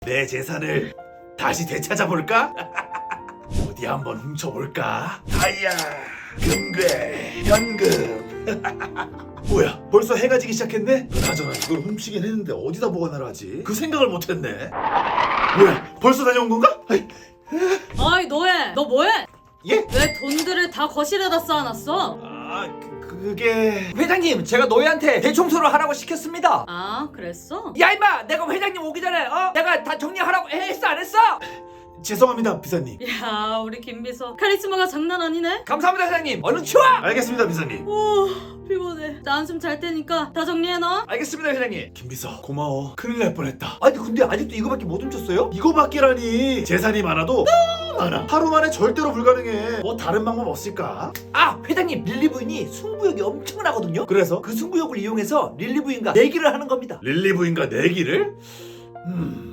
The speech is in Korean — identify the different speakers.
Speaker 1: 내 재산을 다시 되찾아볼까? 어디 한번 훔쳐볼까? 다이아, 금괴, 현금. 뭐야, 벌써 해가 지기 시작했네? 그나저나 이걸 훔치긴 했는데 어디다 보관하라 하지? 그 생각을 못했네. 뭐야, 벌써 다녀온 건가?
Speaker 2: 어이 너해, 너 뭐해?
Speaker 1: 예?
Speaker 2: 왜 돈들을 다 거실에다 쌓아놨어?
Speaker 1: 그게...
Speaker 3: 회장님, 제가 노예한테 대청소를 하라고 시켰습니다.
Speaker 2: 아 그랬어?
Speaker 3: 야 임마, 내가 회장님 오기 전에 내가 다 정리하라고 했어 안 했어?
Speaker 1: 죄송합니다, 비서님.
Speaker 2: 야 우리 김비서 카리스마가 장난 아니네?
Speaker 3: 감사합니다 회장님. 얼른 치워.
Speaker 1: 알겠습니다, 비서님.
Speaker 2: 오 피곤해. 나 한숨 잘 테니까 다 정리해놔.
Speaker 3: 알겠습니다 회장님.
Speaker 1: 김비서, 고마워. 큰일 날 뻔했다.
Speaker 3: 아니 근데 아직도 이거밖에 못 훔쳤어요?
Speaker 1: 이거밖에라니. 재산이 많아도 너무 많아. 하루 만에 절대로 불가능해. 뭐 다른 방법 없을까?
Speaker 3: 아 회장님, 릴리 부인이 승부욕이 엄청나거든요.
Speaker 1: 그래서
Speaker 3: 그 승부욕을 이용해서 릴리 부인과 내기를 하는 겁니다.
Speaker 1: 릴리 부인과 내기를?